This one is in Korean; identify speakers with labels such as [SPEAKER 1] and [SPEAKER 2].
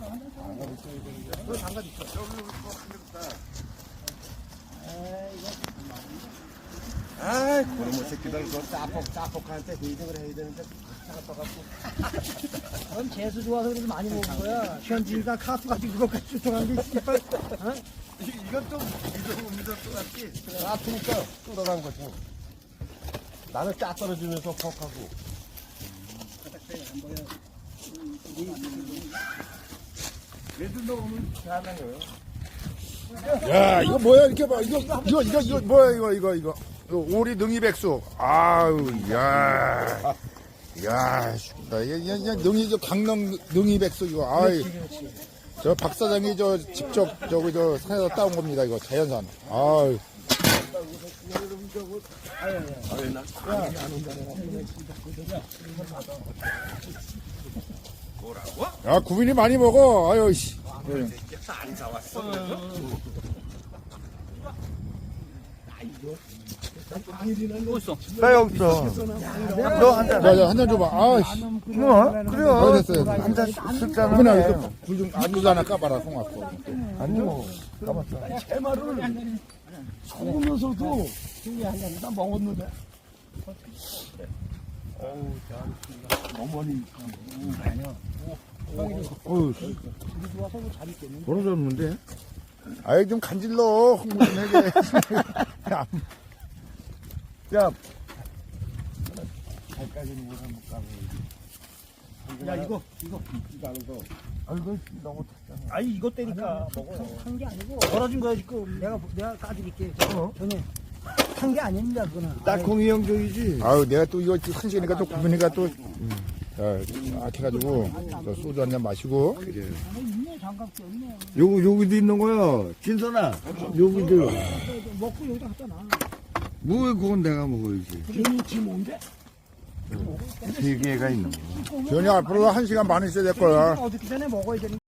[SPEAKER 1] 장갑 있어. 아이, 그놈의 새끼들, 그 짜폭한테 회의를 해야 되는데, 차가 떠갖고.
[SPEAKER 2] 넌 재수 좋아서 그래도 많이 먹은 거야. 현진이가 카스 가지고 그것까지 추천한 게 씨발. 어?
[SPEAKER 1] 이건 좀 믿을 것 같지? 짜투니까 뚫어간 거지. 나는 짜 떨어지면서 퍽하고. 얘들 너 오늘 잘하는
[SPEAKER 3] 야, 이거 뭐야, 이렇게 봐. 이거 뭐야, 이거. 오리 능이백숙. 아우, 야. 야, 죽다. 능이, 강릉 능이백숙, 이거. 아이. 저 박 사장이 직접 산에서 따온 겁니다, 이거. 자연산. 아유.
[SPEAKER 1] 뭐라고?
[SPEAKER 3] 야, 구민이 많이 먹어. 아유, 씨.
[SPEAKER 1] 안 사왔어.
[SPEAKER 4] 나 여기 있어. 너 한 잔.
[SPEAKER 3] 야, 한 잔 줘봐. 아, 씨.
[SPEAKER 4] 그래요.
[SPEAKER 3] 됐어요.
[SPEAKER 4] 한 잔 쓸잖아.
[SPEAKER 3] 구민아, 이거 불좀 안주도 하나 까봐라, 송 갖고.
[SPEAKER 4] 안 줘. 까봤어.
[SPEAKER 2] 해마를 속으면서도 한 잔 다 먹었는데.
[SPEAKER 3] 어우,
[SPEAKER 2] 우리 좋아서 잘 있겠는데.
[SPEAKER 3] 벌어졌는데? 아이, 좀 간질러. 홍보 좀 해게.
[SPEAKER 4] 야,
[SPEAKER 2] 야, 이거.
[SPEAKER 4] 아이고, 너무 탔잖아.
[SPEAKER 2] 아니, 이거 때니까 먹어. 한 게 아니고. 벌어진 거야, 지금. 내가 까드릴게. 전에. 한 게 아닙니다, 그거는.
[SPEAKER 4] 딱콩이 형조이지.
[SPEAKER 3] 아유, 내가 또 이거 한 시간이니까 또 구민이가 또, 악해가지고, 소주 한 잔 마시고.
[SPEAKER 2] 있네, 장갑도 없네.
[SPEAKER 4] 여기도 있는 거야. 진선아, 여기도.
[SPEAKER 2] 먹고 여기다 갖다 놔.
[SPEAKER 4] 뭐, 그건 내가 먹어야지.
[SPEAKER 2] 지 뭔데?
[SPEAKER 4] 세 개가 있는 거야.
[SPEAKER 3] 전이 앞으로 한 시간 반 있어야 될 거야.
[SPEAKER 2] 어떻게 전에 먹어야 되는